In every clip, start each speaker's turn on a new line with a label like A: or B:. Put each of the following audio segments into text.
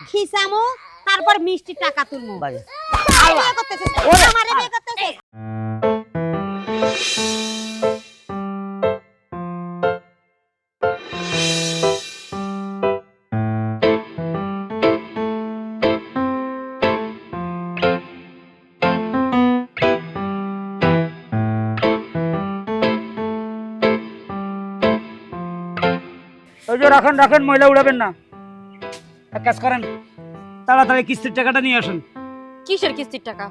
A: খিসামু তারপর মিষ্টি টাকা তুলমু
B: বাজে
A: বিয়ে করতেছিস আমারে বিয়ে করতেছিস
C: ওই যে রাখেন রাখেন ময়লা উড়াবেন না এক কাজ করেন তাড়াতাড়ি কিস্তির টাকাটা নিয়ে আসেন
D: কিসের কিস্তির টাকা?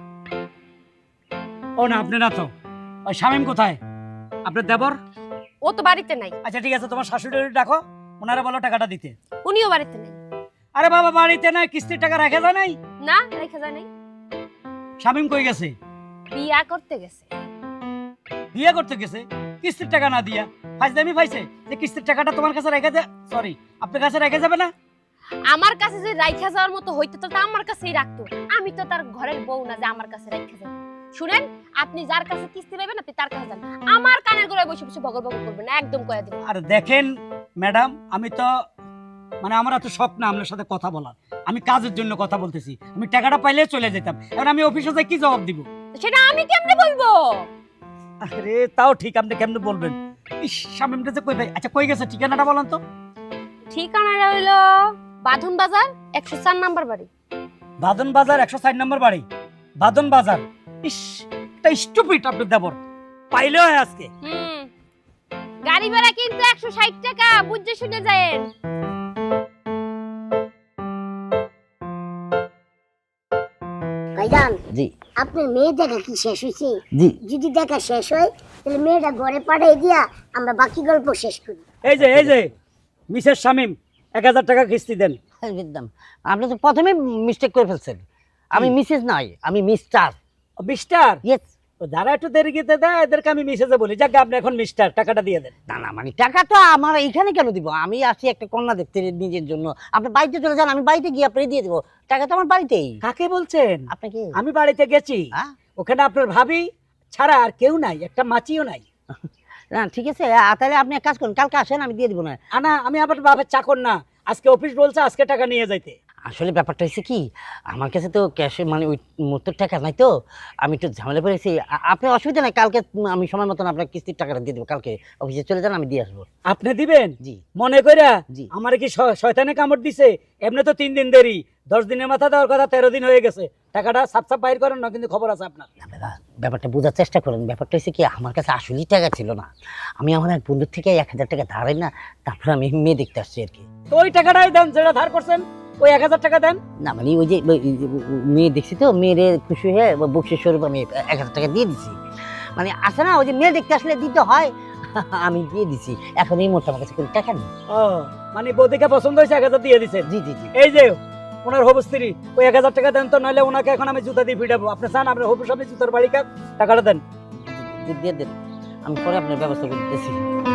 C: ও না আপনি না তো ওই শামীম কোথায় আপনার দেবর?
D: ও তো বাড়িতে নাই।
C: আচ্ছা ঠিক আছে তোমার শাশুড়ি ডাকো ওনারা বলো টাকাটা দিতে।
D: উনিও বাড়িতে নাই।
C: আরে বাবা বাড়িতে নাই কিস্তির টাকা রেখে যায় নাই?
D: না রেখে যায় নাই।
C: শামীম কই গেছে?
D: বিয়া করতে গেছে।
C: বিয়ে করতে গেছে কিস্তির টাকা না দিয়া ফাইজদামি পাইছে যে কিস্তির টাকাটা তোমার কাছে রেখে দে সরি আপনার কাছে রেখে যাবে না?
D: আমার কাছে যে রাইখা যাওয়ার মতো হইতো তো আমার কাছেই রাখতো। আমি তো তার ঘরের বউ না যে আমার কাছে রাইখা যাবে। শুনেন আপনি যার কাছে কিস্তি পাবেন আপনি তার কাছে যান, আমার কানের গোড়ায় বসে বসে বগর বগর করবেন না, একদম কয়া দিবেন।
C: আর দেখেন ম্যাডাম আমি তো মানে আমার এত শখ না আপনার সাথে কথা বলার, আমি কাজের জন্য কথা বলতেছি। আমি টাকাটা পাইলে চলে যেতাম, এখন আমি অফিসে যাই কি জবাব দিব?
D: সেটা আমি কেমনে বলবো?
C: আরে তাও ঠিক আপনি কেমনে বলবেন? ইস শামীমটা যে কই ভাই আচ্ছা কই গেছে ঠিকানাটা বলেন তো।
D: ঠিকানাটা হইলো বাঁধন বাজার 104 নাম্বার বাড়ি।
C: বাদন বাজার 160 নম্বর বাড়ি বাদন বাজার। ইস এটা স্টুপিড আপনার দেবর পাইলে হয় আজকে।
D: গাড়ি ভাড়া কিন্তু 160 টাকা বুঝে শুনে যায়েন।
E: ভাইজান
B: জি
E: আপনার মেয়ে দেখা কি শেষ হয়েছে?
B: জি
E: যদি দেখা শেষ হয় তাহলে মেয়েটা ঘরে পাঠিয়ে দিয়া আমরা বাকি গল্প শেষ করি।
C: এই যে মিসেস শামীম 1000 টাকা কিস্তি দেন।
B: একদম আপনি তো প্রথমে মিস্টেক করে ফেলছেন। আমি মিসেস নয় আমি মিস্টার।
C: মিস্টার
B: ইয়েস
C: যারা একটু দেরি গিয়ে দেয় এদেরকে আমি মিসেজে বলি। যাক আপনি এখন মিস্টার টাকাটা দিয়ে দেন।
B: না না মানে টাকা তো আমার এইখানে কেন দিব? আমি আসি একটা কন্যা দেখতে নিজের জন্য। আপনি বাড়িতে চলে যান, আমি বাড়িতে গিয়ে আপনাকে দিয়ে দেবো। টাকা তো আমার বাড়িতেই।
C: কাকে বলছেন?
B: আপনাকে
C: আমি বাড়িতে গেছি,
B: হ্যাঁ?
C: ওখানে আপনার ভাবি ছাড়া আর কেউ নাই, একটা মাছিও নাই।
B: না ঠিক আছে তাহলে আপনি এক কাজ করুন, কালকে আসেন আমি দিয়ে দিব না।
C: আনা আমি আবার বাবার চাকর না, আজকে অফিস বলছে আজকে টাকা নিয়ে যাইতে।
B: আসলে ব্যাপারটা হচ্ছে কি আমার কাছে তো ক্যাশে মানে ওই মুহূর্তের টাকা নাই তো আমি একটু ঝামেলা পড়েছি। আপনার অসুবিধা নাই, কালকে আমি সময় মতন আপনার কিস্তির টাকাটা দিয়ে দেবো। কালকে অফিসে চলে যান আমি দিয়ে আসবো।
C: আপনি দিবেন?
B: জি
C: মনে কইরা
B: জি।
C: আমার কি শয়তানে কামড় দিছে? এমনি তো 3 দিন দেরি, 10 দিনের মাথা দেওয়ার কথা 13 দিন হয়ে গেছে। টাকাটা সাপ সাপ বাইর করেন না, কিন্তু খবর আছে আপনার।
B: না দাদা ব্যাপারটা বোঝার চেষ্টা করেন। ব্যাপারটা হচ্ছে কি আমার কাছে আসলেই টাকা ছিল না। আমি আমার এক বন্ধুর থেকে 1000 টাকা ধারাই না, তারপর আমি মেয়ে দেখতে আসছি আর কি।
C: তো ওই টাকাটাই দেন যেটা ধার করছেন, ওই 1000 টাকা দেন।
B: না মানে ওই যে মেয়ে দেখছি তো মেয়েরে খুশি হয়ে বকশিস স্বরূপ আমি 1000 টাকা দিয়ে দিছি। মানে আসে না ওই যে মেয়ে দেখতে আসলে দিতে হয়, আমি দিয়ে দিছি। এখন এই মুহূর্তে আমার কাছে কোনো টাকা নেই।
C: ও মানে বৌদিকে পছন্দ হয়েছে 1000 দিয়ে দিছেন?
B: জি জি জি।
C: এই যে ওনার হবু স্ত্রী ওই 1000 টাকা দেন তো, নাহলে ওনাকে এখন আমি জুতা দিয়ে পিটাবো। আপনি চান আপনার হবু সামনে জুতার বাড়ি কাপ? টাকাটা দেন।
B: দিয়ে দেন, আমি পরে আপনার ব্যবস্থা করে দিতেছি।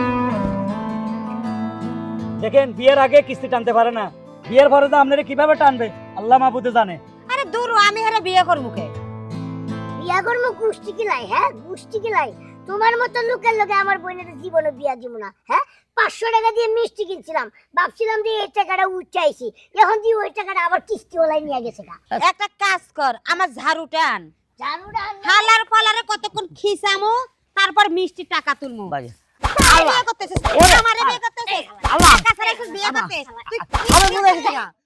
C: দেখেন বিয়ের আগে কিস্তি টানতে পারে না, বিয়ের পরে তো আপনারা কিভাবে টানবে আল্লাহ মাহবুদে জানে।
A: আরে দূর আমি হেরে বিয়ে করব কে?
E: বিয়া করবো গুষ্টি কিলাই, হ্যাঁ গুষ্টি কিলাই। তোমার মতো লোকের লোকে আমার বোনের জীবনে বিয়া দিব না। হ্যাঁ 500 টাকা দিয়ে মিষ্টি কিনছিলাম, ভাবছিলাম যে এই টাকাটা উঠাইছি, এখন দিয়ে ওই টাকাটা আবার কিস্তি ওলাই নিয়ে গেছে।
A: একটা কাজ কর আমার ঝাড়ুটা আন,
E: জানুটা
A: হালার পালারে কতক্ষণ খিসামু তারপর মিষ্টি টাকা তুলমু
B: বাজে
A: বিয়ে করতেছিস আমারে বিয়ে করতেছিস কাছে রেখে বিয়ে করতেছিস তুই
B: আমার মনে হচ্ছে